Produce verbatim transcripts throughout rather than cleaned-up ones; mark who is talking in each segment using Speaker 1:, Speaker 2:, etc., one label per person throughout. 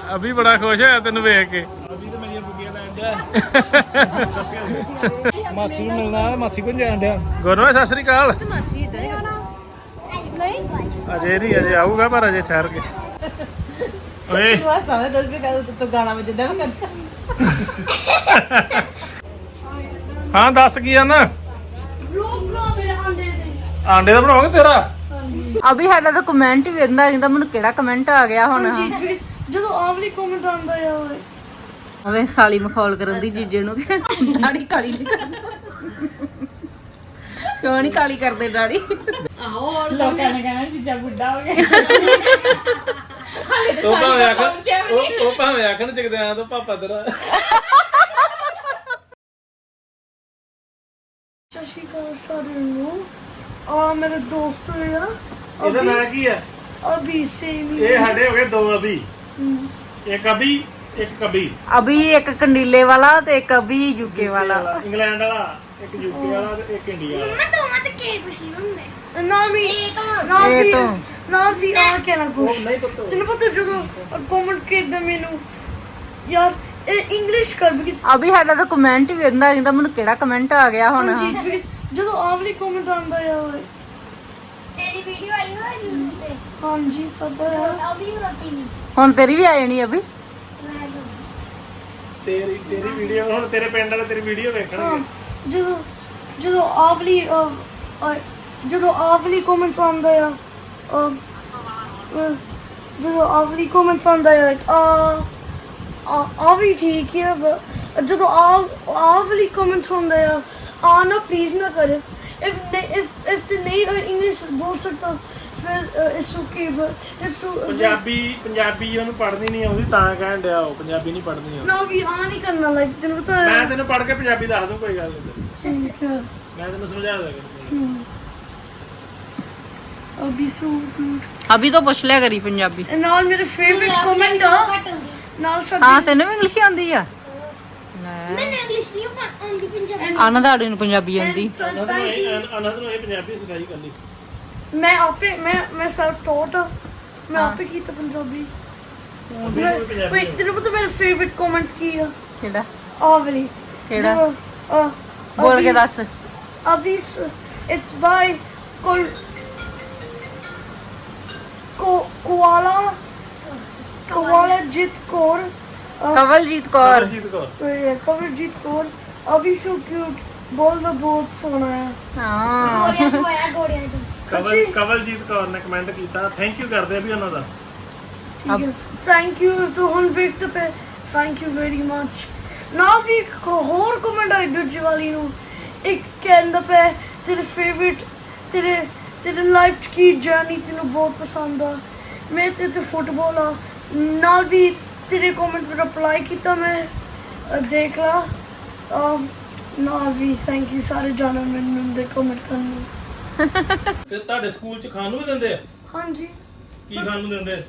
Speaker 1: ਅਭੀ ਬੜਾ ਖੁਸ਼ ਹੋਇਆ ਤੈਨੂੰ ਵੇਖ ਕੇ।
Speaker 2: ਅਭੀ ਤਾਂ ਮੇਰੀਆਂ ਬੁੱਗੀਆਂ ਲੈਣ ਡਿਆ। ਮਾਸੀ ਨੂੰ ਮਿਲਣਾ, ਮਾਸੀ ਕੋਲ ਜਾਣ ਡਿਆ।
Speaker 1: ਗੁਰਨਵਾਜ ਸਤਿ ਸ੍ਰੀ ਅਕਾਲ।
Speaker 3: ਮਾਸੀ ਇਦਾਂ ਹੀ ਆਉਣਾ ਨਹੀਂ
Speaker 1: ਅਜੇ ਨਹੀਂ, ਅਜੇ ਆਊਗਾ ਪਰ ਅਜੇ ਠਹਿਰ ਕੇ। ਓਏ
Speaker 3: ਤੂੰ ਆ ਸਮਝ ਦੱਸ ਵੀ ਕਦੋਂ ਤੂੰ ਗਾਣਾ ਵਜਦਾ ਮੈਂ ਕਰਦਾ
Speaker 1: ਹਾਂ ਦੱਸ ਕੀ ਆ ਨਾ ਆਂਡੇ ਦਾ ਬਣਾਓਗੇ ਤੇਰਾ।
Speaker 4: ਅਭੀ ਸਾਡਾ ਤਾਂ ਕਮੈਂਟ ਹੀ ਵੇਖਦਾ ਰਹਿੰਦਾ, ਮੈਨੂੰ ਕਿਹੜਾ ਕਮੈਂਟ ਆ ਗਿਆ ਹੁਣ।
Speaker 3: ਜਦੋਂ ਆਵਲੀ ਕਮੈਂਟ ਆਉਂਦਾ ਆ ਓਏ
Speaker 4: ਅਵੇ ਸਾਲੀ ਮਖੌਲ ਕਰਨ ਦੀ ਜੀਜੇ ਨੂੰ ਦਾੜੀ ਕਾਲੀ ਨਹੀਂ ਕਰਦਾ। ਕਿਉਂ ਨਹੀਂ ਕਾਲੀ ਕਰਦੇ ਦਾੜੀ?
Speaker 3: ਆਹੋ ਔਰ ਲੋਕਾਂ ਨੇ ਕਹਿਣਾ ਜੀਜਾ ਬੁੱਢਾ ਹੋ ਗਿਆ।
Speaker 1: ਉਹ ਭਾਵੇਂ ਆਖਣ ਉਹ ਉਹ ਭਾਵੇਂ ਆਖਣ ਜਗਦਿਆਂ ਤੋਂ ਪਾਪਾ ਤੇਰਾ।
Speaker 3: ਸਤਿ ਸ਼੍ਰੀ ਅਕਾਲ ਸਾਰਿਆਂ ਨੂੰ। ਆ ਮੇਰੇ ਦੋਸਤ ਆ
Speaker 1: ਇਹਦਾ ਨਾਂ ਕੀ ਹੈ?
Speaker 3: ਅਭੀ ਸੇਮ ਹੀ
Speaker 1: ਇਹ ਸਾਡੇ ਹੋ ਗਏ ਦੋ ਅਭੀ, ਇੱਕ ਅਭੀ ਇੱਕ ਕਬੀ।
Speaker 4: ਅਭੀ ਇੱਕ ਕੰਡੀਲੇ ਵਾਲਾ ਤੇ ਇੱਕ ਅਭੀ ਯੂਕੇ ਵਾਲਾ।
Speaker 1: ਇੰਗਲੈਂਡ ਵਾਲਾ, ਇੱਕ ਯੂਕੇ ਵਾਲਾ ਤੇ ਇੱਕ ਇੰਡੀਆ ਵਾਲਾ।
Speaker 5: ਮੈਂ ਦੋਵਾਂ ਤੇ ਕੇ ਪੁੱਛੀ ਹੁੰਦੇ
Speaker 3: ਨਾ ਵੀ
Speaker 5: ਇਹ ਤਾਂ
Speaker 3: ਨਾ
Speaker 4: ਇਹ
Speaker 3: ਵੀ
Speaker 4: ਤੋਂ।
Speaker 3: ਨਾ ਵੀ ਆ ਕੇ ਨਾ ਕੁਛ
Speaker 1: ਨਹੀਂ ਪਤਾ।
Speaker 3: ਤੈਨੂੰ ਪਤਾ ਜਦੋਂ ਕਮੈਂਟ ਕੀਤਾ ਮੈਨੂੰ ਯਾਰ ਇਹ ਇੰਗਲਿਸ਼ ਕਰ ਬਿਕਾਜ਼
Speaker 4: ਅਭੀ ਸਾਡਾ ਤਾਂ ਕਮੈਂਟ ਹੀ ਵੇਖਦਾ ਰਹਿੰਦਾ, ਮੈਨੂੰ ਕਿਹੜਾ ਕਮੈਂਟ ਆ ਗਿਆ ਹੁਣ।
Speaker 3: ਜਦੋਂ ਆਵਲੀ ਕਮੈਂਟ ਆਉਂਦਾ ਆ ਓਏ
Speaker 5: ਤੇਰੀ ਵੀਡੀਓ ਆਈ ਹੋਈ YouTube ਤੇ
Speaker 3: ਹਾਂਜੀ ਪਤਾ ਹੈ
Speaker 5: ਅਭੀ ਹੋਤੀ ਨਹੀਂ
Speaker 4: ਹੁਣ ਤੇਰੀ ਵੀ ਆ ਜਾਣੀ ਅਭੀ।
Speaker 5: ਮੈਂ
Speaker 1: ਤੇਰੀ ਤੇਰੀ ਵੀਡੀਓ ਹੁਣ ਤੇਰੇ ਪਿੰਡ ਵਾਲੇ ਤੇਰੀ ਵੀਡੀਓ ਵੇਖਣਗੇ।
Speaker 3: ਜਦੋਂ ਜਦੋਂ ਆਵਲੀ ਅਹ, ਅਹ, ਜਦੋਂ ਆਵਲੀ ਕਮੈਂਟਸ ਆਉਂਦਾ ਆ ਅਹ, ਅਹ, ਜਦੋਂ ਆਵਲੀ ਕਮੈਂਟਸ ਆਉਂਦਾ ਆ ਆ ਆ ਆ ਵੀ ਠੀਕ ਹੈ but ਜਦੋਂ ਆ ਆਵਲੀ ਕਮੈਂਟਸ ਆਉਂਦਾ ਆ ਆ ਨਾ ਪਲੀਜ਼ ਨਾ ਕਰੇ if if if ਤੇ ਨਹੀਂ ਇੰਗਲਿਸ਼ ਬੋਲ ਸਕਦਾ ਫਿਰ ਇਟਸ ਓਕੇ but if ਤੂੰ
Speaker 1: ਪੰਜਾਬੀ ਪੰਜਾਬੀ ਉਹਨੂੰ ਪੜ੍ਹਨੀ ਨਹੀਂ ਆਉਂਦੀ ਤਾਂ ਕਹਿਣ ਡਿਆ ਉਹ ਪੰਜਾਬੀ ਨਹੀਂ ਪੜ੍ਹਨੀ ਆਉਂਦੀ।
Speaker 3: ਨਾ ਵੀ ਆ ਨਹੀਂ ਕਰਨਾ ਲਾਈਕ ਤੈਨੂੰ ਪਤਾ
Speaker 1: ਮੈਂ
Speaker 3: ਹੈ
Speaker 1: ਤੈਨੂੰ ਪੜ੍ਹ ਕੇ ਪੰਜਾਬੀ ਦੱਸ ਦੂੰ, ਕੋਈ ਗੱਲ ਨਹੀਂ।
Speaker 3: ਠੀਕ ਹੈ
Speaker 1: ਮੈਂ ਤੈਨੂੰ ਸਮਝਾ ਦਿਆਂਗਾ।
Speaker 3: I'll be so good.
Speaker 4: ਅਭੀ ਤੋਂ ਪੁੱਛ ਲਿਆ ਕਰੀ ਪੰਜਾਬੀ।
Speaker 3: ਨਾਲ ਮੇਰੇ ਫੇਵਰਿਟ ਕਮੈਂਟ ਆ ਨਾਲ ਸਭ
Speaker 4: ਹਾਂ ਤੈਨੂੰ ਵੀ ਇੰਗਲਿਸ਼ ਆਉਂਦੀ ਆ?
Speaker 5: ਮੈਨੂੰ ਇੰਗਲਿਸ਼ ਨਹੀਂ ਆਉਂਦੀ ਪੰਜਾਬੀ
Speaker 4: ਆਨੰਦਾੜੀ ਨੂੰ ਪੰਜਾਬੀ ਆਉਂਦੀ।
Speaker 1: ਅਨੰਦ ਨੂੰ ਇਹ ਅਨੰਦ ਨੂੰ ਇਹ ਪੰਜਾਬੀ ਸਿਖਾਈ ਕਰਨੀ।
Speaker 3: ਮੈਂ ਆਪੇ ਮੈਂ ਮੈਂ ਸੈਲਫ ਟੌਟ ਆ ਮੈਂ ਆਪੇ ਕੀਤਾ ਪੰਜਾਬੀ। ਵੇ ਤੈਨੂੰ ਪਤਾ ਮੇਰਾ ਫੇਵਰਿਟ ਕਮੈਂਟ ਕੀ ਆ?
Speaker 4: ਕਿਹੜਾ
Speaker 3: ਆਵਲੀ
Speaker 4: ਕਿਹੜਾ?
Speaker 3: ਜਦੋਂ, ਅਹ,
Speaker 4: ਬੋਲ ਕੇ
Speaker 3: ਅਭੀ-
Speaker 4: ਦੱਸ।
Speaker 3: ਅਭੀ ਇਟਸ ਬਾਈ ਕੋਲ ਕੋ ਕੋਆਲਾ ਕੋਆਲਾ ਜਿਤ ਕੌਰ ਅਹ,
Speaker 4: ਕਵਲਜੀਤ ਕੌਰ।
Speaker 1: ਅਰਜੀਤ ਕੌਰ।
Speaker 3: ਇਹ ਕਵਲਜੀਤ ਕੌਰ ਅਭੀ ਸੋ ਕਿਊਟ ਬੋਲਦਾ ਬਹੁਤ ਸੋਹਣਾ ਆ।
Speaker 4: ਹਾਂ
Speaker 5: ਗੋੜਿਆਂ ਤੋਂ ਆਇਆ ਗੋੜਿਆਂ ਤੋਂ
Speaker 1: ਕਵਲ ਕਵਲਜੀਤ ਕੌਰ ਨੇ ਕਮੈਂਟ ਕੀਤਾ, ਥੈਂਕ ਯੂ ਕਰਦੇ ਆ ਵੀ ਉਹਨਾਂ ਦਾ।
Speaker 3: ਠੀਕ ਹੈ ਥੈਂਕ ਯੂ ਤੂੰ ਹੁਣ ਵੇਖ ਤੇ ਥੈਂਕ ਯੂ ਵੈਰੀ ਮੱਚ। ਨਾਲ ਵੀ ਇੱਕ ਹੋਰ ਕਮੈਂਟ ਆਈ ਦੂਜੀ ਵਾਲੀ ਨੂੰ ਇੱਕ ਕਹਿੰਦਾ ਪਿਆ ਤੇਰੇ ਫੇਵਰਿਟ ਤੇਰੇ ਤੇਰੇ ਲਾਈਫ 'ਚ ਕੀ ਜਰਨੀ ਤੈਨੂੰ ਬਹੁਤ ਪਸੰਦ ਆ। ਮੈਂ ਤੇ ਤੇ ਫੁੱਟਬਾਲ ਆ ਨਾਲ ਵੀ ਤੇਰੇ ਕਮੈਂਟ 'ਤੇ ਰਿਪਲਾਈ ਕੀਤਾ ਮੈਂ ਅਹ ਦੇਖ ਲਾ ਅਹ, ਨਾਲ ਵੀ ਥੈਂਕ ਯੂ ਸਾਰੇ ਜਾਣੋ ਮੈਨੂੰ ਦੇ ਕਮੈਂਟ ਕਰਨ ਨੂੰ।
Speaker 1: ਤੇ ਤੁਹਾਡੇ ਸਕੂਲ ਚ ਖਾਣ ਨੂੰ ਵੀ ਦਿੰਦੇ ਆ?
Speaker 3: ਹਾਂਜੀ
Speaker 1: ਕੀ ਖਾਣ ਨੂੰ ਦਿੰਦੇ?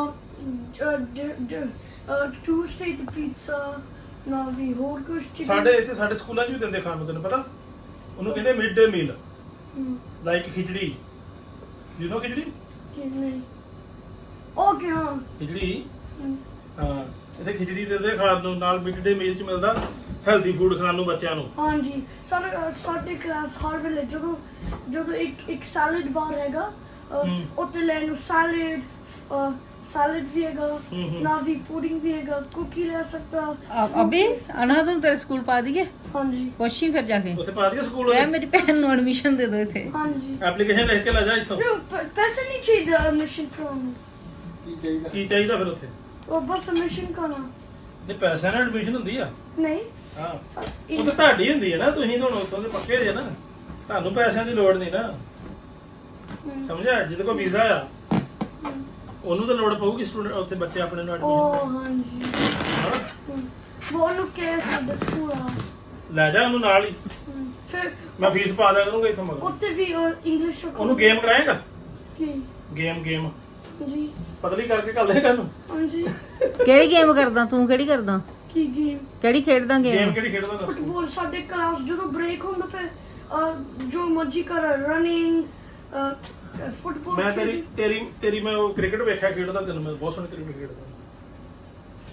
Speaker 3: ਟੂਸਡੇ ਤੇ ਪੀਜ਼ਾ ਨਾਲ ਵੀ ਹੋਰ ਕੁਝ ਚੀਜ਼ਾਂ।
Speaker 1: ਸਾਡੇ ਇੱਥੇ ਸਾਡੇ ਸਕੂਲਾਂ 'ਚ ਵੀ ਦਿੰਦੇ ਖਾਣ ਨੂੰ, ਤੈਨੂੰ ਪਤਾ? ਉਹਨੂੰ ਕਹਿੰਦੇ ਮਿਡ ਡੇ ਮੀਲ, ਲਾਈਕ ਖਿਚੜੀ। ਯੂ نو ਖਿਚੜੀ?
Speaker 3: ਕਿ ਨਹੀਂ ਓਕੇ ਹਾਂ
Speaker 1: ਖਿਚੜੀ ਹਾਂ, ਇੱਥੇ ਖਿਚੜੀ ਦਿੰਦੇ ਖਾਣ ਨੂੰ, ਨਾਲ ਮਿਡ ਡੇ ਮੀਲ 'ਚ ਮਿਲਦਾ ਹੈਲਦੀ ਫੂਡ ਖਾਣ ਨੂੰ ਬੱਚਿਆਂ ਨੂੰ।
Speaker 3: ਹਾਂਜੀ ਸਾਡੇ ਅਹ, ਸਾਡੇ ਕਲਾਸ ਹਰ ਵੇਲੇ ਜਦੋਂ ਜਦੋਂ ਇੱਕ ਇੱਕ ਸੈਲਡ ਬਾਰ ਹੈਗਾ ਅਹ, ਉੱਤੇ ਲੈ ਨੂੰ ਸੈਲਡ ਸੈਲਡ ਵੀ ਹੈਗਾ ਨਾਲ ਵੀ ਪੁਡਿੰਗ ਵੀ ਹੈਗਾ ਕੁਕੀ ਲੈ ਸਕਦਾ।
Speaker 4: ਅਭੀ ਅਨੰਦ ਨੂੰ ਤੇਰੇ ਸਕੂਲ ਪਾ ਦਈਏ?
Speaker 3: ਹਾਂਜੀ
Speaker 4: ਪੁੱਛੀ ਫਿਰ ਜਾ ਕੇ
Speaker 1: ਉੱਥੇ ਪਾ ਦਈਏ ਸਕੂਲ?
Speaker 4: ਕਹਿ ਮੇਰੀ ਭੈਣ ਨੂੰ ਐਡਮਿਸ਼ਨ ਦੇ ਦਿਓ ਇੱਥੇ।
Speaker 3: ਹਾਂਜੀ
Speaker 1: ਐਪਲੀਕੇਸ਼ਨ ਲਿਖ ਕੇ ਲੈ ਜਾ ਇੱਥੋਂ।
Speaker 3: ਨਹੀਂ ਪ- ਪੈਸੇ ਨਹੀਂ ਚਾਹੀਦਾ ਐਡਮਿਸ਼ਨ ਕਰਾਉਣ ਨੂੰ
Speaker 1: ਕੀ ਚਾਹੀਦਾ ਫਿਰ ਉੱਥੇ?
Speaker 3: ਉਹ ਬਸ ਐਡਮਿਸ਼ਨ ਕਰਾਉਣਾ
Speaker 1: ਤੇ ਪੈਸਿਆਂ ਨਾਲ ਐਡਮਿਸ਼ਨ ਹੁੰਦੀ ਆ?
Speaker 3: ਨਹੀਂ
Speaker 1: ਹਾਂ,
Speaker 3: ਸਾ-
Speaker 1: ਉਹ ਤਾਂ ਤੁਹਾਡੀ ਹੁੰਦੀ ਹੈ ਨਾ, ਤੁਸੀਂ ਤਾਂ ਹੁਣ ਉੱਥੋਂ ਦੇ ਪੱਕੇ ਜੇ ਨਾ, ਤੁਹਾਨੂੰ ਪੈਸਿਆਂ ਦੀ ਲੋੜ ਨਹੀਂ ਨਾ। ਸਮਝਿਆ? ਜਿਹਦੇ ਕੋਲ ਵੀਜ਼ਾ ਆ ਉਹਨੂੰ ਤਾਂ ਲੋੜ ਪਊਗੀ ਸਟੂਡੈਂਟ ਉੱਥੇ ਬੱਚੇ ਆਪਣੇ ਨੂੰ ਐਡਮਿਸ਼ਨ।
Speaker 3: ਉਹ ਹਾਂਜੀ ਉਹ ਉਹਨੂੰ ਕਹਿ ਸਾਡੇ ਸਕੂਲ ਆ
Speaker 1: ਲੈ ਜਾ ਉਹਨੂੰ ਨਾਲ ਹੀ,
Speaker 3: ਫਿਰ
Speaker 1: ਮੈਂ ਫੀਸ ਪਾ ਦਿਆ ਕਰੂੰਗਾ ਇੱਥੋਂ ਮਗਰ।
Speaker 3: ਉੱਤੇ ਵੀ ਇੰਗਲਿਸ਼
Speaker 1: ਉਹਨੂੰ ਗੇਮ ਕਰਾਏਗਾ?
Speaker 3: ਕੀ
Speaker 1: ਗੇਮ ਗੇਮ
Speaker 3: ਜੀ
Speaker 1: ਪਤਲੀ ਕਰਕੇ ਕੱਲ ਦੇ ਨੂੰ।
Speaker 3: ਹਾਂਜੀ
Speaker 4: ਕਿਹੜੀ ਗੇਮ ਕਰਦਾ ਤੂੰ? ਕਿਹੜੀ ਕਰਦਾ?
Speaker 3: ਕੀ ਗੇਮ
Speaker 4: ਕਿਹੜੀ ਖੇਡਦਾ
Speaker 1: ਗੇਮ
Speaker 4: ਗੇਮ?
Speaker 1: ਕਿਹੜੀ ਖੇਡਦਾ ਦੱਸ?
Speaker 3: ਫੁੱਟਬਾਲ ਸਾਡੇ ਕਲਾਸ ਜਦੋਂ ਬ੍ਰੇਕ ਹੁੰਦਾ ਫਿਰ ਅਹ, ਜੋ ਮਰਜੀ ਕਰ ਰਨਿੰਗ ਫੁੱਟਬਾਲ
Speaker 1: ਮੈਂ ਤੇਰੀ ਤੇਰੀ ਤੇਰੀ ਮੈਂ ਉਹ ਕ੍ਰਿਕਟ ਵੇਖਿਆ ਖੇਡਦਾ ਤੈਨੂੰ, ਮੈਂ ਬਹੁਤ ਸੋਹਣੀ ਕ੍ਰਿਕਟ ਖੇਡਦਾ।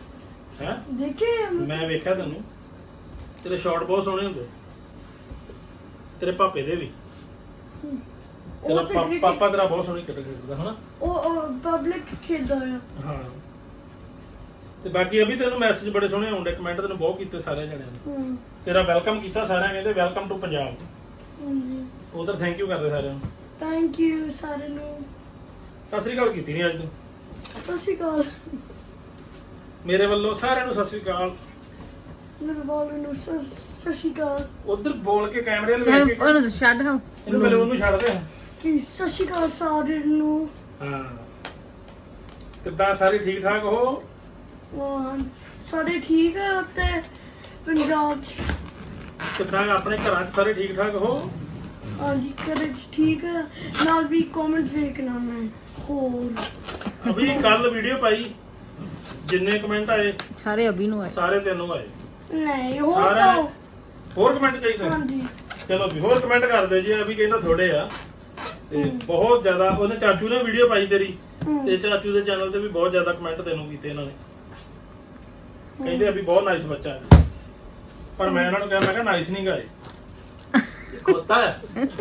Speaker 1: ਹੈ
Speaker 3: ਦੇਖੇ
Speaker 1: ਮੈਂ ਵੇਖਿਆ ਤੈਨੂੰ ਤੇਰੇ ਸ਼ਾਟ ਬਹੁਤ ਸੋਹਣੇ ਹੁੰਦੇ ਤੇਰੇ ਪਾਪੇ ਦੇ ਵੀ ਤੇਰਾ
Speaker 3: ਉਹ ਤੇ
Speaker 1: ਪਾ-
Speaker 3: cricket-
Speaker 1: ਪਾਪਾ ਤੇਰਾ ਬਹੁਤ ਸੋਹਣੀ ਕ੍ਰਿਕਟ ਖੇਡਦਾ ਹਨਾ
Speaker 3: ਉਹ ਪਬਲਿਕ ਖੇਡਦਾ ਆ
Speaker 1: ਹਾਂ ਤੇ ਬਾਕੀ ਅਭੀ ਤੈਨੂੰ ਮੈਸੇਜ ਬੜੇ ਸੋਹਣੇ ਆਉਂਦੇ ਕਮੈਂਟ ਤੈਨੂੰ ਬਹੁਤ ਕੀਤੇ ਸਾਰੇ ਜਣਿਆਂ ਨੇ
Speaker 3: ਹਮ,
Speaker 1: ਤੇਰਾ ਵੈਲਕਮ ਕੀਤਾ ਸਾਰਿਆਂ ਕਹਿੰਦੇ ਵੈਲਕਮ ਟੂ ਪੰਜਾਬ
Speaker 3: ਹਾਂਜੀ
Speaker 1: ਉਧਰ ਥੈਂਕ ਯੂ ਕਰਦੇ ਸਾਰਿਆਂ ਨੂੰ
Speaker 3: ਥੈਂਕ ਯੂ ਸਾਰਿਆਂ ਨੂੰ
Speaker 1: ਸਤਿ ਸ੍ਰੀ ਅਕਾਲ ਕੀਤੀ ਨਹੀਂ ਅੱਜ ਤੂੰ
Speaker 3: ਸਤਿ ਸ਼੍ਰੀ ਅਕਾਲ
Speaker 1: ਮੇਰੇ ਵੱਲੋਂ ਸਾਰਿਆਂ ਨੂੰ ਸਤਿ ਸ੍ਰੀ ਅਕਾਲ
Speaker 3: ਮੇਰੇ ਬਾਲ ਨੂੰ ਸਤਿ ਸਤਿ ਸ਼੍ਰੀ ਅਕਾਲ
Speaker 1: ਉਧਰ ਬੋਲ ਕੇ ਕੈਮਰੇ ਵੱਲ
Speaker 4: ਚੱਲ
Speaker 1: ਵੇਖ ਕੇ
Speaker 4: ਉਹਨੂੰ ਛੱਡ ਹਾਂ
Speaker 1: ਇਹਨੂੰ ਮੇਰੇ ਉਹਨੂੰ ਛੱਡ ਦੇ
Speaker 3: ਕਿ ਸਤਿ ਸ਼੍ਰੀ ਅਕਾਲ ਸਾਰਿਆਂ ਨੂੰ
Speaker 1: ਹਾਂ ਕਿੱਦਾਂ ਸਾਰੇ ਠੀਕ ਠਾਕ ਹੋ
Speaker 3: ਹਾਂ, ਸਾਰੇ ਠੀਕ ਆ ਉੱਤੇ ਪੰਜਾਬ ਚ
Speaker 1: ਕਿੱਦਾਂ ਆਪਣੇ ਘਰਾਂ 'ਚ ਸਾਰੇ ਠੀਕ ਠਾਕ ਹੋ
Speaker 3: ਹਾਂਜੀ ਘਰੇ ਚ ਠੀਕ ਆ ਨਾਲ ਵੀ ਕਮੈਂਟ ਵੇਖਣਾ ਮੈਂ ਹੋਰ
Speaker 1: ਅਭੀ ਕੱਲ ਵੀਡੀਓ ਪਾਈ ਜਿੰਨੇ ਕਮੈਂਟ ਆਏ
Speaker 4: ਸਾਰੇ ਅਭੀ ਨੂੰ ਆਏ
Speaker 1: ਸਾਰੇ ਤੈਨੂੰ ਆਏ
Speaker 3: ਨਹੀਂ ਹੋਰ
Speaker 1: ਸਾਰਾ
Speaker 3: ਪਾਓ।
Speaker 1: ਹੋਰ ਕਮੈਂਟ ਚਾਹੀਦੇ
Speaker 3: ਹਾਂਜੀ
Speaker 1: ਚਲੋ ਵੀ ਹੋਰ ਕਮੈਂਟ ਕਰ ਦਿਓ ਜੀ ਅਭੀ ਕਹਿੰਦਾ ਥੋੜੇ ਆ ਤੇ ਬਹੁਤ ਜ਼ਿਆਦਾ ਉਹਨੇ ਚਾਚੂ ਨੇ ਵੀਡੀਓ ਪਾਈ ਤੇਰੀ
Speaker 3: ਹਮ।
Speaker 1: ਤੇ ਚਾਚੂ ਦੇ ਚੈਨਲ ਤੇ ਵੀ ਬਹੁਤ ਜ਼ਿਆਦਾ ਕਮੈਂਟ ਤੈਨੂੰ ਕੀਤੇ ਇਹਨਾਂ ਨੇ ਕਹਿੰਦੇ ਅਭੀ ਬਹੁਤ ਨਾਈਸ ਬੱਚਾ ਹੈ ਪਰ ਮੈਂ ਇਹਨਾਂ ਨੂੰ ਕਿਹਾ ਮੈਂ ਕਿਹਾ ਨਾਈਸ ਨਹੀਂ ਗਾਏ ਖੋਤਾ ਹੈ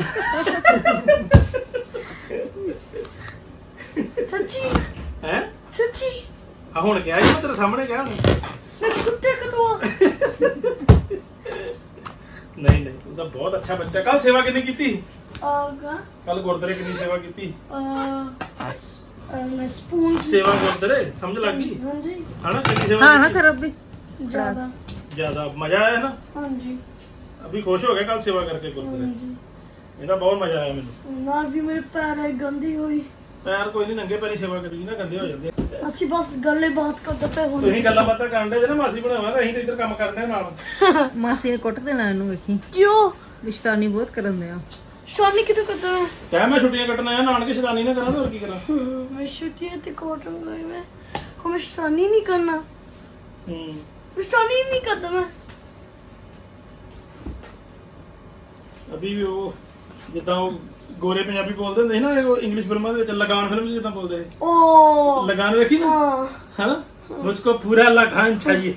Speaker 3: ਸੱਚੀ
Speaker 1: ਹੈ
Speaker 3: ਸੱਚੀ
Speaker 1: ਆ ਹੁਣ ਕਿਹਾ ਜੀ ਮੈਂ ਤੇਰੇ ਸਾਹਮਣੇ ਕਿਹਾ ਹੁਣ
Speaker 3: ਮੈਂ ਕੁੱਤੇ ਕਤਵਾ
Speaker 1: ਨਹੀਂ ਨਹੀਂ ਤੂੰ ਤਾਂ ਬਹੁਤ ਅੱਛਾ ਬੱਚਾ ਕੱਲ ਸੇਵਾ ਕਿੰਨੀ ਕੀਤੀ
Speaker 3: ਆਗਾ
Speaker 1: ਕੱਲ ਗੁਰਦੁਆਰੇ ਕਿੰਨੀ ਸੇਵਾ ਕੀਤੀ
Speaker 3: ਅ ਮੈਂ ਸਪੂਨ
Speaker 1: ਸੇਵਾ ਗੁਰਦੁਆਰੇ ਸਮਝ ਲੱਗ ਗਈ
Speaker 3: ਹਾਂਜੀ
Speaker 1: ਹਨਾ ਕਿੰਨੀ ਸੇਵਾ
Speaker 4: ਹਾਂ ਨਾ
Speaker 1: ਕੀਤੀ?
Speaker 4: ਕਰ ਅਭੀ
Speaker 3: ਜ਼ਿਆਦਾ
Speaker 1: ਜ਼ਿਆਦਾ ਮਜ਼ਾ ਆਇਆ ਨਾ
Speaker 3: ਹਾਂਜੀ
Speaker 1: ਅਭੀ ਖੁਸ਼ ਹੋ ਗਿਆ ਕੱਲ ਸੇਵਾ ਕਰਕੇ ਗੁਰਦੁਆਰੇ
Speaker 3: ਹਾਂਜੀ
Speaker 1: ਇਹਦਾ ਬਹੁਤ ਮਜ਼ਾ ਆਇਆ ਮੈਨੂੰ
Speaker 3: ਨਾਲ ਵੀ ਮੇਰੇ ਪੈਰ ਹੈ ਗੰਦੀ ਹੋਈ
Speaker 1: ਪੈਰ ਕੋਈ ਨਹੀਂ ਨੰਗੇ ਪੈਰੀ ਸੇਵਾ ਕਰੀ ਨਾ ਗੰਦੇ ਹੋ ਜਾਂਦੇ ਆ।
Speaker 3: ਅਸੀਂ ਬਸ ਗੱਲੇ ਬਾਤ ਕਰਦੇ ਪਏ ਹੁਣ
Speaker 1: ਤੁਸੀਂ ਗੱਲਾਂ ਬਾਤਾਂ ਕਰਨ ਦੇ ਨਾ ਮਾਸੀ ਬਣਾਵਾ ਤਾਂ ਅਸੀਂ ਤਾਂ ਇੱਧਰ ਕੰਮ ਕਰਦੇ ਨਾਲ
Speaker 4: ਮਾਸੀ ਨੇ ਕੁੱਟ ਦੇਣਾ ਇਹਨੂੰ ਵੇਖੀ
Speaker 3: ਕਿਉਂ
Speaker 4: ਰਿਸ਼ਤਾਨੀ ਬਹੁਤ ਕਰਨ ਦੇ ਆ
Speaker 3: ਸ਼ਾਨੀ ਕਿਤੇ ਕਰਦਾ ਹੈ
Speaker 1: ਕਹਿ ਮੈਂ ਛੁੱਟੀਆਂ ਕੱਟਣਾ ਆ ਨਾਨਕੇ ਸ਼ੈਤਾਨੀ ਨਾ ਕਰਾਂ ਤੇ ਹੋਰ ਕੀ ਕਰਾਂ
Speaker 3: मैं छुट्टी ते कॉटन गई मैं हमें शानी नहीं करना
Speaker 1: ਹੂੰ
Speaker 3: शानी नहीं करता मैं
Speaker 1: ਅਭੀ ਵੀ ਉਹ ਜਿੱਦਾਂ ਉਹ ਗੋਰੇ ਪੰਜਾਬੀ ਬੋਲਦੇ ਹੁੰਦੇ ਸੀ ਨਾ ਉਹ ਇੰਗਲਿਸ਼ ਫਿਲਮਾਂ ਦੇ ਵਿੱਚ ਲਗਾਨ ਫਿਲਮ 'ਚ ਜਿੱਦਾਂ ਬੋਲਦੇ ਸੀ
Speaker 3: ओ
Speaker 1: ਲਗਾਨ ਵੇਖੀ ਨਾ
Speaker 3: हाँ
Speaker 1: ਹੈਨਾ ਮੁਝਕੋ ਪੂਰਾ ਲਗਾਨ ਚਾਹੀਏ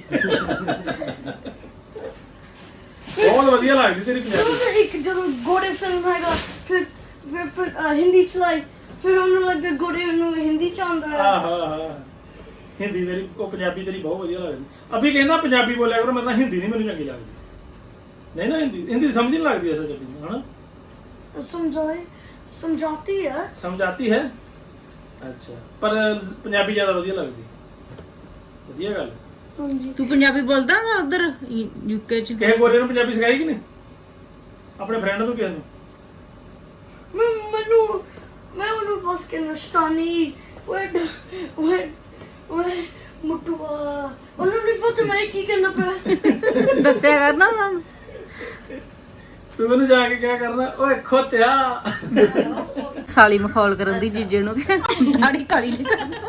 Speaker 1: ਬਹੁਤ ਵਧੀਆ ਲੱਗਦੀ ਤੇਰੀ ਪੰਜਾਬੀ
Speaker 3: तो एक जब गोरे फिल्म हैगा फिर फिर फिर अ, हिंदी चलाई फिर हमने लगा गोरे नु हिंदी चांदा है
Speaker 1: ਆਹ ਹਾਂ ਹਿੰਦੀ ਤੇਰੀ ਉਹ ਪੰਜਾਬੀ ਤੇਰੀ ਬਹੁਤ ਵਧੀਆ ਲੱਗਦੀ ਅਭੀ ਕਹਿੰਦਾ ਪੰਜਾਬੀ ਬੋਲਿਆ ਕਰੋ ਮੇਰੇ ਨਾਲ ਹਿੰਦੀ ਨਹੀਂ ਮੈਨੂੰ ਚੰਗੀ ਲੱਗਦੀ ਨਹੀਂ ਨਾ ਹਿੰਦੀ ਹਿੰਦੀ ਸਮਝ ਨਹੀਂ ਲੱਗਦੀ ਅਸਲ ਚ ਹਨਾ
Speaker 3: समझाए समझाती है
Speaker 1: ਸਮਝ ਆਤੀ ਹੈ ਅੱਛਾ ਪਰ ਪੰਜਾਬੀ ਜ਼ਿਆਦਾ ਵਧੀਆ ਲੱਗਦੀ ਵਧੀਆ ਗੱਲ
Speaker 3: हाँ जी
Speaker 4: ਤੂੰ ਪੰਜਾਬੀ ਬੋਲਦਾ ਵਾ ਉਧਰ ਯੂਕੇ ਚ
Speaker 1: ਕਿਸੇ ਗੋਰੇ ਨੂੰ ਪੰਜਾਬੀ ਸਿਖਾਈ ਕਿ ਨਹੀਂ ਆਪਣੇ ਫਰੈਂਡ ਨੂੰ ਕਿਸੇ ਨੂੰ
Speaker 3: मैं मनु मैं उन्हें बस के नस्तानी वेड वेड वेड मुटुआ उन्होंने नहीं पता मैं की करना पे
Speaker 4: ਦੱਸਿਆ ਕਰਨਾ ਉਹਨਾਂ ਨੂੰ
Speaker 1: ਤੂੰ ਮੈਨੂੰ ਜਾ ਕੇ ਕਿਆ ਕਰਨਾ ਓਏ ਖੋਤਿਆ
Speaker 4: ਸਾਲੀ ਮਖੌਲ ਕਰਨ ਦੀ ਜੀਜੇ ਨੂੰ ਦਾੜੀ ਕਾਲੀ ਨਹੀਂ ਕਰਦਾ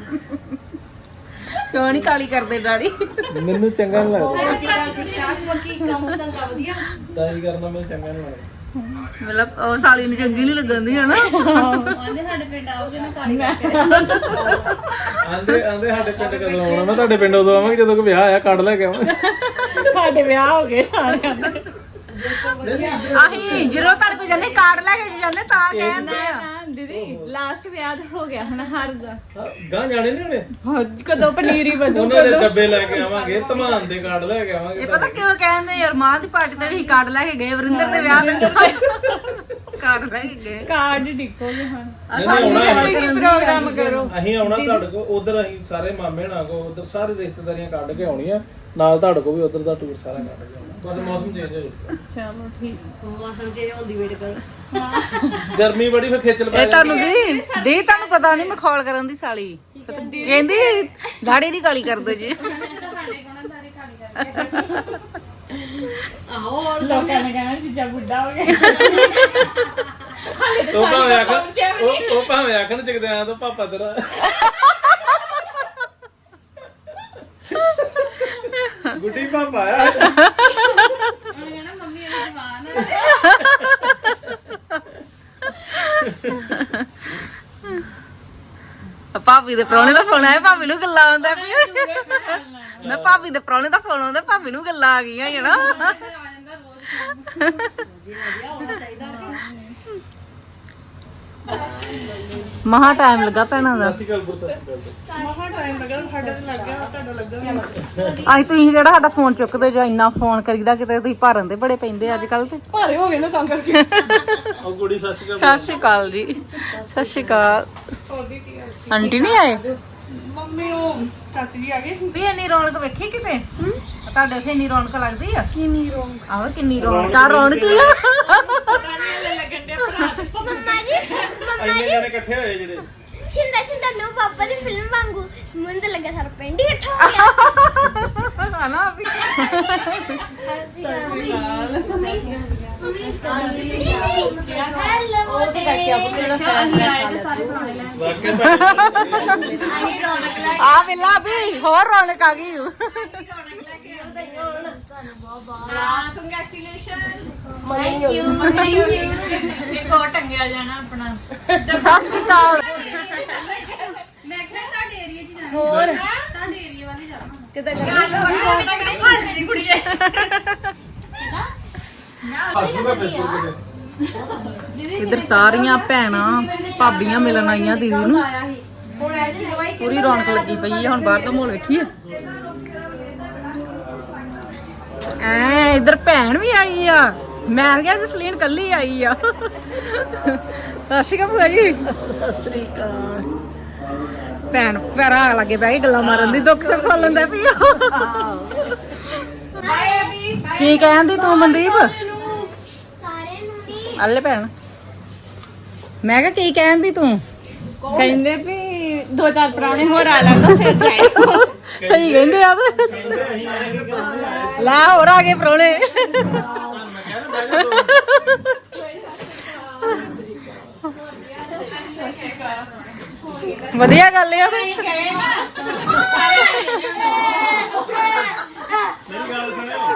Speaker 4: ਕਿਉਂ ਨਹੀਂ ਕਾਲੀ ਕਰਦੇ ਦਾੜੀ
Speaker 1: ਮੈਨੂੰ ਚੰਗਾ ਨਹੀਂ ਲੱਗਦਾ
Speaker 3: बाकी काम धंधा वधिया
Speaker 1: ਦਾਈ ਕਰਨਾ ਮੈਨੂੰ ਚੰਗਾ ਨਹੀਂ ਲੱਗਦਾ
Speaker 4: ਮਤਲਬ ਉਹ ਸਾਲੀ ਨੂੰ ਚੰਗੀ ਨਹੀਂ ਲੱਗਦੀ ਹੈ ਨਾ
Speaker 5: ਉਹਨੇ ਸਾਡੇ ਪਿੰਡ ਆਓ ਜਿਹਨੇ ਕਾਲੀ ਕਰਕੇ
Speaker 1: ਆਂਦੇ ਆਂਦੇ ਸਾਡੇ ਪਿੰਡ ਕਦੋਂ ਆਉਣਾ ਮੈਂ ਤੁਹਾਡੇ ਪਿੰਡ ਉਦੋਂ ਆਵਾਂਗੇ ਜਦੋਂ ਕੋਈ ਵਿਆਹ ਆਇਆ ਕਾਰਡ ਲੈ ਕੇ ਆਵਾਂਗੇ
Speaker 6: ਸਾਡੇ ਵਿਆਹ ਹੋ ਗਏ ਸਾਰਿਆਂ ਦੇ
Speaker 4: ਆਹੀ ਜਦੋਂ ਤੁਹਾਡੇ ਕੋਲ ਜਾਂਦੇ ਕਾਰਡ ਲੈ ਕੇ ਜਾਂਦੇ ਤਾਂ ਕਹਿੰਦੇ ਆ
Speaker 6: ਨਾ ਦੀਦੀ ਲਾਸਟ ਵਿਆਹ ਤਾਂ ਹੋ ਗਿਆ ਹੁਣ ਹਰ ਦਾ
Speaker 1: ਗਾਂ ਜਾਣੇ ਨੇ ਉਹਨੇ
Speaker 6: ਹਾਂ, ਕਦੋਂ ਪਨੀਰੀ ਵਧੂ
Speaker 1: ਉਹਨਾਂ ਦੇ ਡੱਬੇ ਲੈ ਕੇ ਆਵਾਂਗੇ ਧਮਾਨ ਦੇ ਕਾਰਡ ਲੈ ਕੇ ਆਵਾਂਗੇ
Speaker 4: ਇਹ ਪਤਾ ਕਿਉਂ ਕਹਿੰਦੇ ਯਾਰ ਮਾਂ ਦੀ ਪਾਰਟੀ ਤੇ ਵੀ ਕਾਰਡ ਲੈ ਕੇ ਗਏ ਵਰਿੰਦਰ ਦੇ ਵਿਆਹ ਤੇ ਕਾਰਡ ਲੈ ਕੇ ਗਏ
Speaker 6: ਕਾਰਡ ਡਿੱਕੋਗੇ ਹੁਣ
Speaker 1: ਨਹੀਂ, ਨਹੀਂ, ਆਉਣਾ ਹੈ।
Speaker 6: ਪ੍ਰੋਗਰਾਮ ਕਰੋ
Speaker 1: ਅਸੀਂ ਆਉਣਾ ਤੁਹਾਡੇ ਕੋਲ ਉਧਰ ਅਸੀਂ ਸਾਰੇ ਮਾਮੇ ਨਾਲ ਕੋ ਉਧਰ ਸਾਰੇ ਰਿਸ਼ਤੇਦਾਰੀਆਂ ਕੱਢ ਕੇ ਆਉਣੀਆਂ ਨਾਲ ਤੁਹਾਡੇ ਕੋਲ ਵੀ ਉਧਰ ਦਾ ਟੂਰ ਸਾਰਾ ਕੱਢ ਕੇ ਆਉਣਾ ਬਸ ਮੌਸਮ ਚੇਂਜ ਹੋ ਜਾਊਗਾ
Speaker 6: ਚਲੋ ਠੀਕ
Speaker 4: ਮੌਸਮ ਚੇਂਜ ਹੋਣ ਦੀ ਵੇਟ ਕਰ
Speaker 1: ਗਰਮੀ ਬੜੀ ਫਿਰ ਖੇਚਲ ਪੈ
Speaker 4: ਇਹ ਤੁਹਾਨੂੰ ਦੀ ਦੀ ਤੁਹਾਨੂੰ ਪਤਾ ਨਹੀਂ ਮਖੌਲ ਕਰਨ ਦੀ ਸਾਲੀ ਕਹਿੰਦੀ ਦਾੜੀ ਨਹੀਂ ਕਾਲੀ ਕਰਦੇ ਜੀ
Speaker 5: ਸਾਡੇ ਕੋਲ ਦਾੜੀ ਕਾਲੀ ਕਰਕੇ
Speaker 6: ਆਹੋ ਲੋਕਾਂ ਨੇ ਕਹਿਣਾ ਜੀਜਾ ਬੁੱਢਾ ਹੋ ਗਿਆ
Speaker 1: ਉਹ ਭਾਵੇਂ ਆਖਣ ਉਹ ਉਹ ਭਾਵੇਂ ਆਖਣ ਜਗਦੇ ਆ ਤਾਂ ਪਾਪਾ ਤੇਰਾ ਗੁੱਡੀ ਪਾਪਾ ਆ
Speaker 5: ਉਹਨੇ ਕਹਿਣਾ ਮੰਮੀ ਇਹਦੀ ਜਵਾਨ ਹੈ
Speaker 4: ਭਾਬੀ ਦੇ ਪ੍ਰਾਹੁਣੇ ਦਾ ਫੋਨ ਆਇਆ ਭਾਬੀ ਨੂੰ ਗੱਲਾਂ ਆਉਂਦਾ ਪਈ ਮੈਂ ਭਾਬੀ ਦੇ ਪ੍ਰਾਹੁਣੇ ਦਾ ਫੋਨ ਆਉਂਦਾ ਭਾਬੀ ਨੂੰ ਗੱਲਾਂ ਆ ਗਈਆਂ ਹੈ ਨਾ ਮਹਾ ਟਾਈਮ ਲੱਗਾ ਭੈਣਾਂ ਦਾ
Speaker 1: ਸਤਿ ਸ਼੍ਰੀ ਅਕਾਲ ਸਤਿ ਸ਼੍ਰੀ ਅਕਾਲ
Speaker 3: ਮਹਾ ਟਾਈਮ ਲੱਗਾ ਸਾਡਾ ਤੇ ਲੱਗ ਗਿਆ ਤੁਹਾਡਾ ਲੱਗਾ
Speaker 4: ਅੱਜ ਤੁਸੀਂ ਜਿਹੜਾ ਸਾਡਾ ਫੋਨ ਚੁੱਕਦੇ ਜੋ ਇੰਨਾ ਫੋਨ ਕਰੀਦਾ ਕਿਤੇ ਤੁਸੀਂ ਭਰਨ ਦੇ ਬੜੇ ਪੈਂਦੇ ਅੱਜ ਕੱਲ ਤੇ
Speaker 3: ਭਾਰੇ ਹੋ ਗਏ ਨਾ ਤਾਂ ਕਰਕੇ
Speaker 1: ਉਹ ਕੁੜੀ ਸਤਿ ਸ਼੍ਰੀ ਅਕਾਲ
Speaker 4: ਸਤਿ ਸ਼੍ਰੀ ਅਕਾਲ ਜੀ ਸਤਿ ਸ਼੍ਰੀ ਅਕਾਲ ਆਂਟੀ ਨਹੀਂ ਆਏ
Speaker 3: ਮੰਮੀ ਉਹ ਚਾਚੀ ਜੀ ਆ ਗਏ
Speaker 4: ਵੀ ਇੰਨੀ ਰੌਣਕ ਵੇਖੀ ਕਿਤੇ ਤੁਹਾਡੇ ਉੱਥੇ ਇੰਨੀ ਰੌਣਕ ਲੱਗਦੀ ਆ
Speaker 3: ਕੀ ਨਹੀਂ ਰੋਂਗ
Speaker 4: ਆਹੋ ਕਿੰਨੀ ਰੌਣਕ ਆ ਰੌਣਕ ਹੀ ਆ
Speaker 5: ਮੰਮਾ ਜੀ ਮੰਮਾ
Speaker 1: ਇੰਨੇ
Speaker 5: ਜੀ
Speaker 1: ਜਣੇ ਇਕੱਠੇ ਹੋਏ ਜਿਹੜੇ
Speaker 5: ਛਿੰਦਾ ਛਿੰਦਾ ਨੂੰ ਪਾਪਾ ਦੀ ਫਿਲਮ ਵਾਂਗੂ ਮੈਨੂੰ ਤਾਂ ਲੱਗਾ ਸਾਰਾ ਪਿੰਡ ਹੀ ਇਕੱਠਾ ਹੋ ਗਿਆ
Speaker 4: ਹਨਾ ਵੀ
Speaker 5: ਉਹ ਤੇ ਕਰਕੇ ਆਪ ਕਿਹੜਾ
Speaker 4: ਆ ਵੇਲਾ ਵੀ ਹੋਰ ਰੌਣਕ ਆ ਗਈ ਸਤਿ ਸ਼੍ਰੀ ਅਕਾਲ
Speaker 5: ਮੈਂ ਕਿਹਾ ਤੁਹਾਡੇ ਏਰੀਆ 'ਚ ਜਾਣਾ
Speaker 4: ਹੋਰ
Speaker 5: ਤੁਹਾਡੇ ਏਰੀਆ ਵਾਲੀ ਜਾਣਾ
Speaker 1: ਹੱਸੂਗਾ ਫੇਸਬੁੱਕ ਤੇ
Speaker 4: ਇਧਰ ਸਾਰੀਆਂ ਭੈਣਾਂ ਭਾਬੀਆਂ ਮਿਲਣ ਆਈਆਂ ਦੀਦੀ ਨੂੰ ਪੂਰੀ ਰੌਣਕ ਲੱਗੀ ਪਈ ਹੈ ਹੁਣ ਬਾਹਰ ਦਾ ਮਾਹੌਲ ਵੇਖੀਏ ਐ ਇਧਰ ਭੈਣ ਵੀ ਆਈ ਆ ਮੈਂ ਕਿਹਾ ਜਸਲੀਨ ਕੱਲੀ ਆਈ ਆ ਸਤਿ ਸ਼੍ਰੀ ਅਕਾਲ ਭੂਆ ਜੀ ਸਤਿ ਸ਼੍ਰੀ ਅਕਾਲ ਭੈਣ ਭਰਾ ਲੱਗੇ ਬਹਿ ਕੇ ਗੱਲਾਂ ਮਾਰਨ ਦੀ ਦੁੱਖ ਸੁੱਖ ਫੋਲਣ ਦਾ ਪਈ ਕੀ ਕਹਿੰਦੀ ਤੂੰ ਮਨਦੀਪ
Speaker 5: ਸਾਰੇ ਨੂੰ ਨਹੀਂ
Speaker 4: ਅੱਲੇ ਭੈਣ ਮੈਂ ਕਿਹਾ ਕੀ ਕਹਿੰਦੀ ਤੂੰ
Speaker 6: ਕਹਿੰਦੇ ਵੀ ਦੋ ਚਾਰ ਪੁਰਾਣੇ ਹੋਰ ਆ ਲੈਂਦਾ ਫਿਰ ਜਾਏ
Speaker 4: ਸਹੀ ਕਹਿੰਦੇ ਆ ਤੇ ਲੈ ਹੋਰ ਆ ਗਏ ਪ੍ਰਾਹੁਣੇ ਵਧੀਆ ਗੱਲ ਆ
Speaker 1: ਮੇਰੀ ਗੱਲ ਸੁਣਿਓ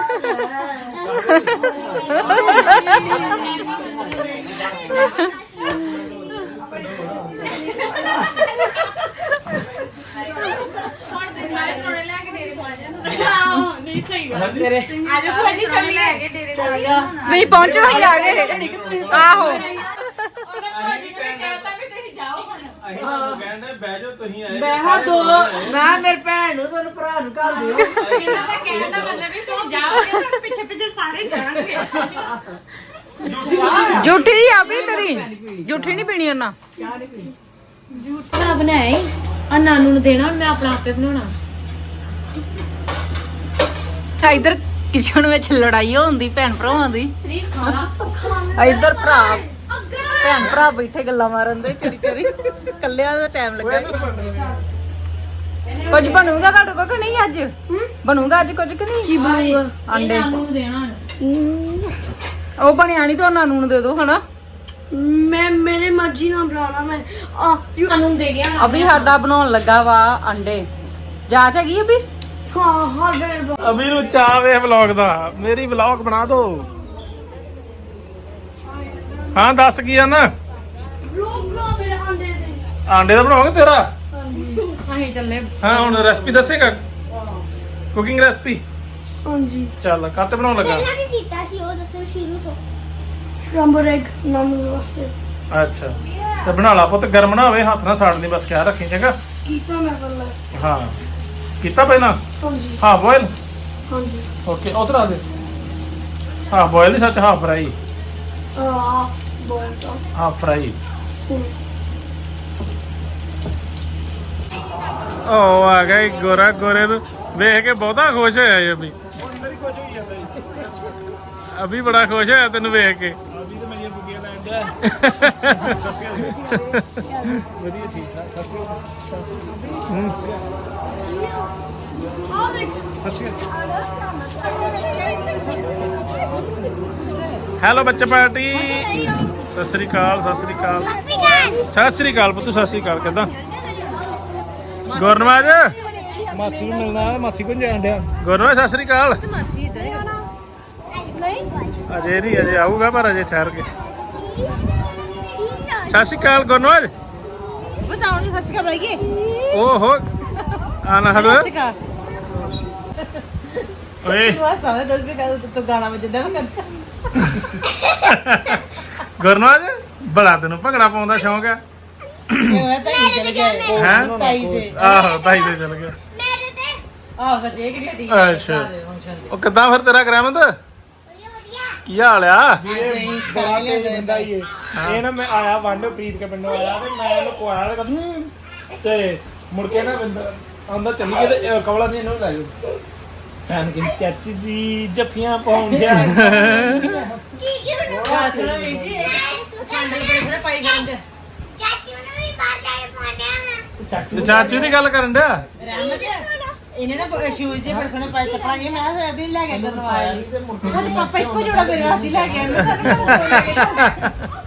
Speaker 5: ਹੁਣ ਤੇ ਸਾਰੇ ਕੋਲੇ ਲੈ ਕੇ ਡੇਰੇ ਪਹੁੰਚ ਜਾਣ
Speaker 6: ਨਹੀਂ ਸਹੀ ਗੱਲ ਤੇਰੇ ਅੱਜ ਭੂਆ ਜੀ ਚੱਲੀ
Speaker 5: ਲੈ ਕੇ ਡੇਰੇ ਪਹੁੰਚ ਜਾਣ
Speaker 4: ਨਹੀਂ ਪਹੁੰਚੋ ਹੀ ਆ ਗਏ ਆਹੋ
Speaker 6: ਉਹਨੇ ਭੂਆ ਜੀ ਨੇ ਕਹਿਤਾ ਵੀ ਤੁਸੀਂ ਜਾਓ ਹੁਣ
Speaker 1: ਅਸੀਂ ਤੁਹਾਨੂੰ ਕਹਿੰਦੇ ਬਹਿ ਜਾਓ ਤੁਸੀਂ ਆਏ
Speaker 6: ਮੈਂ ਹਾਂ ਦੋ ਮੈਂ ਮੇਰੇ ਭੈਣ ਨੂੰ ਤੁਹਾਨੂੰ ਭਰਾ ਨੂੰ ਘੱਲ ਦਿਓ ਇਹਨਾਂ ਦਾ ਕਹਿਣ ਦਾ ਮਤਲਬ ਵੀ ਤੁਸੀਂ ਜਾਓਗੇ ਤਾਂ ਪਿੱਛੇ ਪਿੱਛੇ ਸਾਰੇ ਜਾਣਗੇ
Speaker 4: ਝੂਠੀ ਆ ਵੀ ਤੇਰੀ ਝੂਠੀ ਨਹੀਂ ਪੀਣੀ ਉਹਨਾਂ
Speaker 7: ਜੂਠਾ ਬਣਾਇਆ ਆ ਨਾਨੂ ਨੂੰ ਦੇਣਾ ਮੈਂ ਆਪਣਾ ਆਪੇ ਬਣਾਉਣਾ
Speaker 4: ਇਧਰ ਕਿਚਨ ਵਿੱਚ ਲੜਾਈ ਹੁੰਦੀ ਭੈਣ ਭਰਾਵਾਂ ਦੀ ਇਧਰ ਭਰਾ ਭੈਣ ਭਰਾ ਬੈਠੇ ਗੱਲਾਂ ਮਾਰਨ ਦੇ ਚੋਰੀ ਚੋਰੀ ਕੱਲਿਆਂ ਦਾ ਟਾਈਮ ਲੱਗਾ ਕੁਝ ਬਣੂਗਾ ਤੁਹਾਡੇ ਕੋਲ ਕਿ ਨਹੀਂ ਅੱਜ ਬਣੂਗਾ ਅੱਜ ਕੁਝ ਕਿ ਨਹੀਂ ਕੀ ਬਣੂਗਾ ਆਂਡੇ
Speaker 7: ਨਾਨੂ ਨੂੰ ਦੇਣਾ
Speaker 4: ਉਹ ਬਣਿਆ ਨਹੀਂ ਤਾਂ ਉਹਨਾਂ ਨੂੰ ਦੇ ਦੋ ਹਨਾ
Speaker 3: ਮੈਂ ਮੇਰੇ ਮਰਜ਼ੀ ਨਾਲ ਬਣਾਉਣਾ ਮੈਂ ਆ
Speaker 7: ਨਾਨੂ ਨੂੰ ਦੇ ਗਿਆ
Speaker 4: ਅਭੀ ਸਾਡਾ ਬਣਾਉਣ ਲੱਗਾ ਵਾ ਅੰਡੇ ਜਾਚ ਹੈਗੀ ਅਭੀ
Speaker 3: ਹਾਂ ਹਾਂ ਬੇਰ
Speaker 1: ਅਭੀ ਨੂੰ ਚਾਹ ਵੇ ਵਲੌਗ ਦਾ ਮੇਰੀ ਵਲੌਗ ਬਣਾ ਦੋ ਹਾਂ ਦੱਸ ਕੀ ਆ ਨਾ
Speaker 3: ਲੋਕ ਬਣਾ ਮੇਰੇ ਆਂਡੇ ਦੇ
Speaker 1: ਆਂਡੇ ਦਾ ਬਣਾਓਗੇ ਤੇਰਾ
Speaker 6: ਅਸੀਂ ਚੱਲੇ
Speaker 1: ਹਾਂ ਹੁਣ ਰੈਸਪੀ ਦੱਸੇਗਾ ਕੁਕਿੰਗ ਰੈਸਪੀ
Speaker 3: ਹਾਂਜੀ
Speaker 1: ਚੱਲ ਕਾਤੇ ਬਣਾਉਣ ਲੱਗਾ
Speaker 5: ਪਹਿਲਾਂ ਕੀ ਕੀਤਾ ਸੀ ਉਹ ਦੱਸੋ ਸ਼ੁਰੂ ਤੋਂ
Speaker 3: ਸਕ੍ਰੈਂਬਲ ਐਗ ਨਾਨੂ ਵਾਸਤੇ
Speaker 1: ਅੱਛਾ ਤੇ ਬਣਾ ਲਾ ਪੁੱਤ ਗਰਮ ਨਾ ਹੋਵੇ ਹੱਥ ਨਾਲ ਸਾੜਨੀ ਬਸ ਖਿਆਲ ਰੱਖੀ ਚੰਗਾ
Speaker 3: ਕੀਤਾ ਮੈਂ ਪਹਿਲਾਂ
Speaker 1: ਹਾਂ ਕੀਤਾ ਪਹਿਲਾਂ
Speaker 3: ਹਾਂਜੀ
Speaker 1: ਹਾਂ ਬੋਇਲ
Speaker 3: ਹਾਂਜੀ
Speaker 1: ਓਕੇ ਉਧਰ ਆ ਦੇ ਹਾਂ ਬੋਇਲ ਨਹੀਂ ਸੱਚ ਹਾਂ ਫਰਾਈ
Speaker 3: ਆ ਬੋਲ ਤਾਂ
Speaker 1: ਹਾਂ ਫਰਾਈ ਉਹ ਆ ਗਿਆ ਈ ਗੋਰਾ ਗੋਰੇ ਨੂੰ ਵੇਖ ਕੇ ਬਹੁਤਾ ਖੁਸ਼ ਹੋਇਆ ਜੀ ਅਭੀ ਅਭੀ ਬੜਾ ਖੁਸ਼ ਹੋਇਆ ਤੈਨੂੰ ਵੇਖ ਕੇ
Speaker 2: ਅਭੀ ਤੇ ਮੇਰੀਆਂ ਬੁੱਗੀਆਂ ਲੈਣ ਡਿਆ ਸਤਿ ਸ਼੍ਰੀ ਅਕਾਲ ਵਧੀਆ ਠੀਕ ਠਾਕ ਸਤਿ ਸ਼੍ਰੀ ਅਕਾਲ ਸਤਿ ਸ਼੍ਰੀ ਅਕਾਲ
Speaker 1: ਹੈਲੋ ਬੱਚਾ ਪਾਰਟੀ ਸਤਿ ਸ੍ਰੀ ਅਕਾਲ ਸਤਿ ਸ੍ਰੀ ਅਕਾਲ ਸਤਿ ਸ੍ਰੀ ਅਕਾਲ ਪੁੱਤ ਸਤਿ ਸ੍ਰੀ ਅਕਾਲ ਕਿੱਦਾਂ ਗੁਰਨਵਾਜ
Speaker 2: ਮਾਸੀ ਨੂੰ ਮਿਲਣਾ ਮਾਸੀ ਕੋਲ ਜਾਣ ਡਿਆ
Speaker 1: ਗੁਰਨਵਾਜ ਸਤਿ ਸ੍ਰੀ ਅਕਾਲ ਅਜੇ ਨਹੀਂ ਅਜੇ ਆਊਗਾ ਪਰ ਅਜੇ ਠਹਿਰ ਕੇ ਸਤਿ ਸ਼੍ਰੀ ਅਕਾਲ ਗੁਰਨਵਾਜ
Speaker 4: ਬਤਾਉਣ ਦੀ ਸੱਚੀ ਖਬਰ ਆਈਏ
Speaker 1: ਓਹੋ ਆਨਾ ਹਬ
Speaker 4: ਸ਼ਿਕਾ
Speaker 1: ਓਏ
Speaker 4: ਤੂੰ ਸਾਲੇ ਦੱਸ ਵੀ ਕਰ ਤੂੰ ਗਾਣਾ ਵਜਦਾ ਮੈਂ
Speaker 1: ਗੁਰਨਾਜ ਬੜਾ ਤੈਨੂੰ ਭੰਗੜਾ ਪਾਉਣ ਦਾ ਸ਼ੌਂਕ ਹੈ
Speaker 4: ਇਹ ਮੈਂ ਤਾਂ ਹੀ ਚਲ ਗਿਆ
Speaker 1: ਹੈ
Speaker 4: ਤਾਈ ਦੇ
Speaker 1: ਆਹੋ ਤਾਈ ਦੇ ਚੱਲ ਗਿਆ
Speaker 5: ਮੇਰੇ ਤੇ
Speaker 4: ਆਹ ਸੱਚੇ ਕਿਹੜੀ ਹੱਡੀ
Speaker 1: ਅੱਛਾ ਉਹ ਕਿੱਦਾਂ ਫਿਰ ਤੇਰਾ ਗ੍ਰਹਿਮੰਦ
Speaker 5: ਵਧੀਆ ਵਧੀਆ
Speaker 1: ਕੀ ਹਾਲ ਆ
Speaker 2: ਬੜਾ ਤੇਜ਼ ਬੰਦਾ ਹੀ ਇਹ ਇਹ ਨਾ ਮੈਂ ਆਇਆ ਵੰਡ ਪ੍ਰੀਤ ਕੇ ਪਿੰਡੋਂ ਆਇਆ ਤੇ ਮੈਂ ਇਹਨੂੰ ਕੁਆਇਆ ਤੇ ਕਹਿੰਦਾ ਤੇ ਮੁੜ ਕੇ ਨਾ ਵਿੰਦਰ ਆਂਦਾ ਚੱਲੀ ਗਏ ਤੇ ਇਹ ਕਵਲਾ ਨੇ ਇਹਨੂੰ ਲੈ ਗਿਆ ਭੈਣ ਕਹਿੰਦੀ ਚਾਚੀ ਜੀ ਜੱਫੀਆਂ ਪਾਉਣ ਗਿਆ
Speaker 5: ਕੀ ਕੀ ਹੁਣ
Speaker 4: ਆ ਸੁਣਾ ਵੀ ਜੀ ਸੈਂਡਲ ਬੜੇ ਬੜੇ ਪਾਈ ਫਿਰਦੇ
Speaker 5: ਚਾਚੂ ਨੂੰ ਵੀ ਬਾਹਰ ਜਾ ਕੇ ਪਾਉਣਾ
Speaker 1: ਤੇ ਚਾਚੂ ਦੀ ਗੱਲ ਕਰਨ ਡਿਆ
Speaker 4: ਰਹਿਮਤ ਇਹਨੇ ਨਾ ਸ਼ੂਜ਼ ਜੇ ਬੜੇ ਸੋਹਣੇ ਪਾਏ ਚੱਪਲਾਂ ਜੇ ਮੈਂ ਕਿਹਾ ਇਹਦੀ ਲੈ ਕੇ ਅੰਦਰ ਲਵਾਇਆ ਮੇਰੇ ਪਾਪਾ ਇੱਕੋ ਜੋੜਾ ਮੇਰੇ ਵਾਸਤੇ ਲੈ ਕੇ ਆਏ ਮੈਂ ਤੁਹਾਨੂੰ ਪਤਾ ਦੋ ਲੈ ਕੇ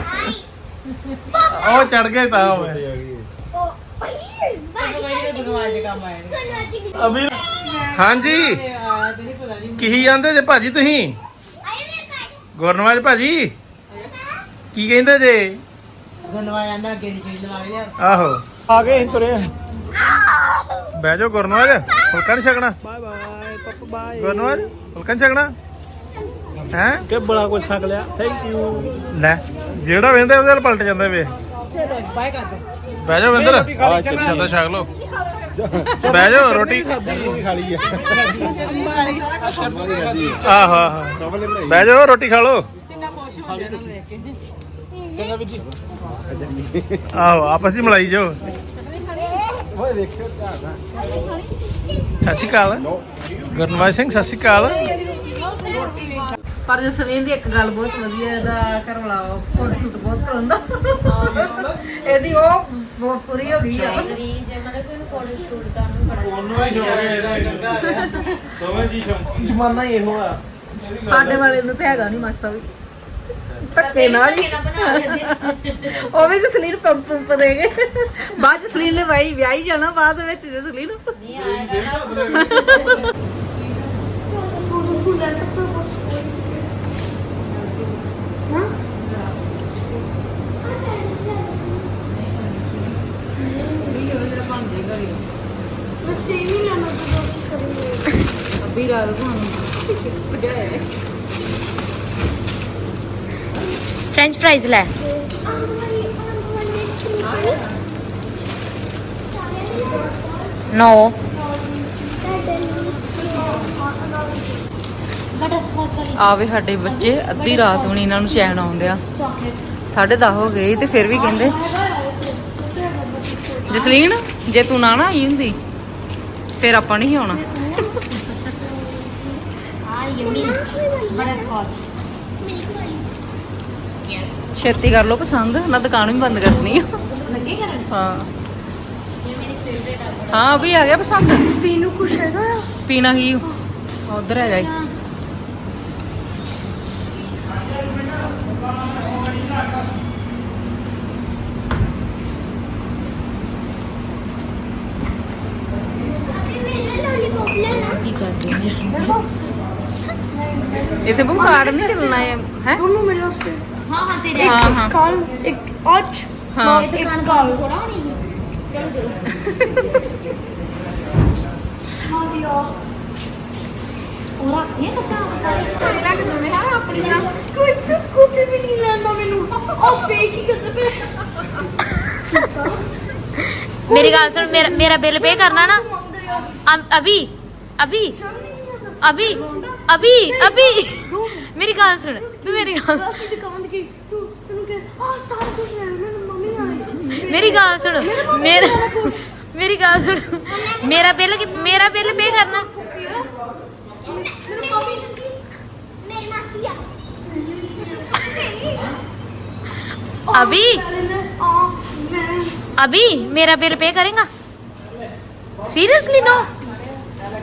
Speaker 1: ਉਹ ਚੜ ਗਿਆ ਤਾਂ ਹੋਵੇ
Speaker 5: ਉਹ
Speaker 4: ਬਾਈ ਦੇ ਬਣਵਾਏ ਦੇ ਕੰਮ ਆਏ ਨੇ
Speaker 1: ਅਮੀਰ ਹਾਂਜੀ
Speaker 4: ਆ ਤੇ ਨਹੀਂ ਪਤਾ ਨਹੀਂ
Speaker 1: ਕੀ ਜਾਂਦੇ ਜੇ ਭਾਜੀ ਤੁਸੀਂ
Speaker 5: ਆਏ ਮੇਰੇ ਘਰ
Speaker 1: ਗੁਰਨਵਾਜ ਭਾਜੀ ਕੀ ਕਹਿੰਦੇ ਜੇ
Speaker 4: ਬਣਵਾਇਆ ਜਾਂਦਾ ਅੱਗੇ ਦੀ ਚੀਜ਼ ਲਵਾ ਲਿਆ
Speaker 1: ਆਹੋ
Speaker 2: ਆ ਗਏ ਅਸੀਂ ਤੁਰੇ
Speaker 1: ਬਹਿ ਜਾਓ ਗੁਰਨਵਾਜ ਫੁਲਕਾ ਨਹੀਂ ਛਕਣਾ
Speaker 2: ਬਾਏ ਬਾਏ ਪਪਾ ਬਾਏ
Speaker 1: ਗੁਰਨਵਾਜ ਫੁਲਕਾ ਨਹੀਂ ਛਕਣਾ ਹੈ
Speaker 2: ਕਿ ਬੜਾ ਕੁਝ ਛਕ ਲਿਆ ਥੈਂਕ ਯੂ
Speaker 1: ਲੈ ਜਿਹੜਾ ਵੇਂਦੇ ਉਹਦੇ ਨਾਲ ਪਲਟ ਜਾਂਦੇ ਵੇ
Speaker 4: ਚਲੋ ਬਾਏ ਕਰ ਦੋ
Speaker 1: ਬਹਿ ਜਾਓ ਵਿੰਦਰ
Speaker 2: ਰੋਟੀ ਖਾ ਲਈ ਚੰਗਾ।
Speaker 1: ਜਦੋਂ ਛਕ ਲਓ ਬਹਿ ਜਾਓ ਰੋਟੀ
Speaker 2: ਵੀ ਖਾ ਲਈ
Speaker 1: ਆਹੋ ਆਹੋ ਬਹਿ ਜਾਓ ਰੋਟੀ ਖਾ ਲਓ
Speaker 4: ਕਿੰਨਾ ਖੁਸ਼ ਹੋ ਜਾਣਾ ਵੇਖ ਕੇ
Speaker 2: ਚੰਗਾ ਵੀਰ ਜੀ
Speaker 1: ਆਹੋ ਆਪਸ ਵਿੱਚ ਮਲਾਈ ਜਾਓ
Speaker 2: ਓਏ ਵੇਖਿਓ
Speaker 1: ਸਤਿ ਸ਼੍ਰੀ ਅਕਾਲ ਗੁਰਨਵਾਜ ਸਿੰਘ ਸਤਿ ਸ਼੍ਰੀ ਅਕਾਲ
Speaker 4: ਪਰ ਜਸਲੀਨ ਦੀ ਇੱਕ ਗੱਲ ਬਹੁਤ ਵਧੀਆ ਇਹਦਾ ਘਰ ਵਾਲਾ ਫੋਟੋ ਸ਼ੂਟ ਬਹੁਤ ਕਰਾਉਂਦਾ ਇਹਦੀ ਉਹ ਬਹੁਤ ਪੂਰੀ ਹੋ ਗਈ ਆ
Speaker 7: ਜੇ ਮਤਲਬ ਕਿ ਫੋਟੋ ਸ਼ੂਟ ਦਾ ਨੂੰ ਬੜਾ
Speaker 1: ਉਹਨੂੰ ਹੀ ਛੋੜਿਆ ਦੋਵੇਂ ਜੀ ਸ਼ੌਂਕੀ
Speaker 2: ਜਮਾਨਾ ਹੀ ਇਹੋ ਆ
Speaker 4: ਸਾਡੇ ਵਾਲੇ ਨੂੰ ਤੇ ਹੈਗਾ ਨਹੀਂ ਮਸਤਾ ਵੀ ਧੱਕੇ ਨਾਲ ਹੀ
Speaker 7: ਬਣਾ ਲੈਂਦੇ
Speaker 4: ਉਹ ਵੀ ਜਸਲੀਨ ਪੰਪ ਪੰਪ ਦੇਗੇ ਬਾਅਦ ਜਸਲੀਨ ਨੇ ਵਾਈ ਵਿਆਹੀ ਜਾਣਾ ਬਾਅਦ ਵਿੱਚ ਜਸਲੀਨ
Speaker 7: ਨਹੀਂ ਆਏਗਾ ਨਾ
Speaker 3: फूल ले सकते हो बस हाँ बस सेम ही लेना तो बस करेंगे
Speaker 4: ਅੱਧੀ ਰਾਤ ਤੁਹਾਨੂੰ ਭਜਾਏ
Speaker 7: ਫ੍ਰੈਂਚ ਫ੍ਰਾਈਜ਼ ਲੈ ਨੋ ਆ ਵੀ ਸਾਡੇ ਬੱਚੇ ਅੱਧੀ ਰਾਤ ਨੂੰ ਨੀ ਇਹਨਾਂ ਨੂੰ ਚੈਨ ਆਉਂਦੇ ਆ ਸਾਢੇ ਦਸ ਹੋ ਗਏ ਤੇ ਫਿਰ ਵੀ ਕਹਿੰਦੇ ਜਸਲੀਨ ਜੇ ਤੂੰ ਨਾ ਨਾ ਆਈ ਹੁੰਦੀ ਫਿਰ ਆਪਾਂ ਨਹੀਂ ਆਉਣਾ ਛੇਤੀ ਕਰ ਲੋ ਪਸੰਦ ਨਾ ਦੁਕਾਨ ਵੀ ਬੰਦ ਕਰਨੀ ਆ ਹਾਂ ਹਾਂ ਵੀ ਆ ਗਿਆ ਪਸੰਦ
Speaker 3: पीनू कुछ हैगा
Speaker 4: ਪੀਣਾ ਕੀ ਉਧਰ ਹੈਗਾ ਈ। ਕੀ ਕਰਦੇ ਨੇ ਇੱਥੇ ਬੰਦ ਕਾਰਡ ਨਹੀਂ ਚੱਲਣਾ ਹੈ ਹੈ
Speaker 3: दोनों मेरे से
Speaker 7: ਹਾਂ ਹਾਂ ਤੇਰੇ
Speaker 4: ਹਾਂ ਹਾਂ
Speaker 3: कल एक आज
Speaker 4: हाँ।
Speaker 7: ਇਹ ਦੁਕਾਨ ਬੰਦ ਥੋੜਾ ਹੋਣੀ ਸੀ ਚਲੋ ਚਲੋ
Speaker 3: हाँ दिया
Speaker 7: ਉਹ ਰੱਖੀਏ ਕੱਚਾ
Speaker 3: अपनियां कोई तो कुछ भी नहीं लेना मेनू और फेक ही करते पे
Speaker 7: मेरी गाल सुन मेरा मेरा बिल पे करना ना अम- अभी अभी अभी अभी अभी मेरी गाल सुन तू मेरी गाल
Speaker 3: ऐसी दुकान की तू तू के आ सारा कुछ ले मेरी मम्मी आई
Speaker 7: मेरी गाल सुन मेरा मेरी गाल सुन मेरा बिल मेरा बिल पे करना
Speaker 3: मेरी मम्मी
Speaker 5: मेरी मासी आ
Speaker 7: अभी
Speaker 3: आ मैं
Speaker 7: अभी मेरा बिल पे करेगा सीरियसली नो